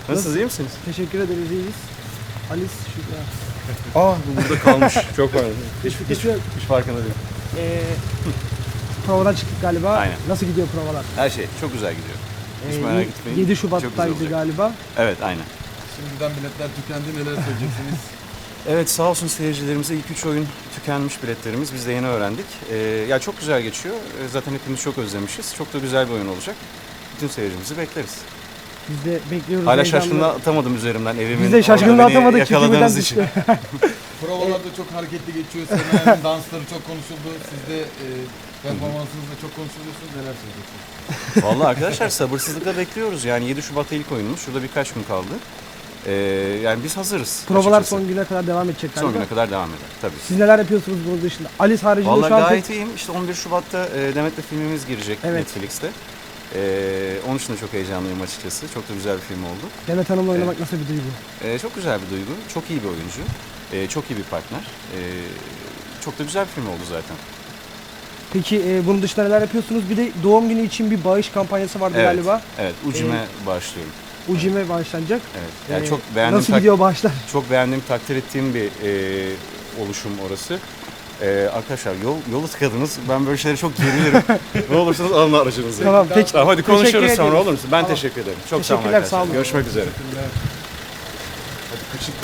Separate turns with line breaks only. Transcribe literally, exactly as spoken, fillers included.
Nasılsınız, iyi misiniz?
Teşekkür ederiz, iyiyiz. Alice Şükra.
Aa, bu burada kalmış. Çok var. Hiç, hiç,
Teşekkür
hiç farkında değilim.
Ee, provadan çıktık galiba.
Aynen.
Nasıl gidiyor provalar?
Her şey çok güzel gidiyor. Hiç merak etmeyin.
yedi
Çok
Şubat'taydı
güzel olacak.
galiba.
Evet, aynen.
Şimdiden biletler tükendi, neler söyleyeceksiniz?
Evet, sağ olsun seyircilerimize ilk üç oyun tükenmiş biletlerimiz. Biz de yeni öğrendik. Ee, ya çok güzel geçiyor. Ee, Zaten hepimiz çok özlemişiz. Çok da güzel bir oyun olacak. Bütün seyircimizi bekleriz.
Biz de bekliyoruz.
Hala
heyecanla.
şaşkınlığı atamadım üzerimden evimin.
Biz de şaşkınlığı
orada beni
atamadık çünkü
yakaladığınız
birden
için.
düştü.
Provalarda çok hareketli geçiyor. Semen'in dansları çok konuşuldu. Siz de e, performansınızda çok konuşuluyorsunuz. Neler söyleyeceksiniz?
Vallahi arkadaşlar sabırsızlıkla bekliyoruz. Yani yedi Şubat'ta ilk oyunumuz. Şurada birkaç gün kaldı. Ee, yani biz hazırız.
Provalar
açıkçası.
son güne kadar devam edecek galiba.
Son güne kadar devam eder tabii.
Siz neler yapıyorsunuz bunun dışında? Alice haricinde
Vallahi
şu an
gayet
pek...
iyiyim. İşte on bir Şubat'ta e, Demet'le filmimiz girecek
Evet.
Netflix'te. Ee, onun için de çok heyecanlıyım açıkçası. Çok da güzel bir film oldu.
Demet Hanım'la oynamak nasıl bir duygu?
Ee, çok güzel bir duygu. Çok iyi bir oyuncu. Ee, çok iyi bir partner. Ee, çok da güzel bir film oldu zaten.
Peki e, bunun dışında neler yapıyorsunuz? Bir de doğum günü için bir bağış kampanyası vardı
Evet.
galiba.
Evet, Ucime başlıyorum.
Ucime bağışlanacak.
Evet. Yani
Ee,
çok beğendiğim
Nasıl
tak-
gidiyor bağışlar?
çok beğendiğim, takdir ettiğim bir e, oluşum orası. Ee, arkadaşlar yol yolu tıkadınız. Ben böyle şeylere çok gerilirim. Ne olursanız alın aracınızı.
Tamam, peki.
Tamam, hadi
Teşekkür
konuşuruz sonra
ediyoruz.
olur musun? Ben
Tamam.
teşekkür ederim. Çok sağ olun
Teşekkürler,
arkadaşlar.
sağ olun.
Görüşmek üzere.
Hadi kışık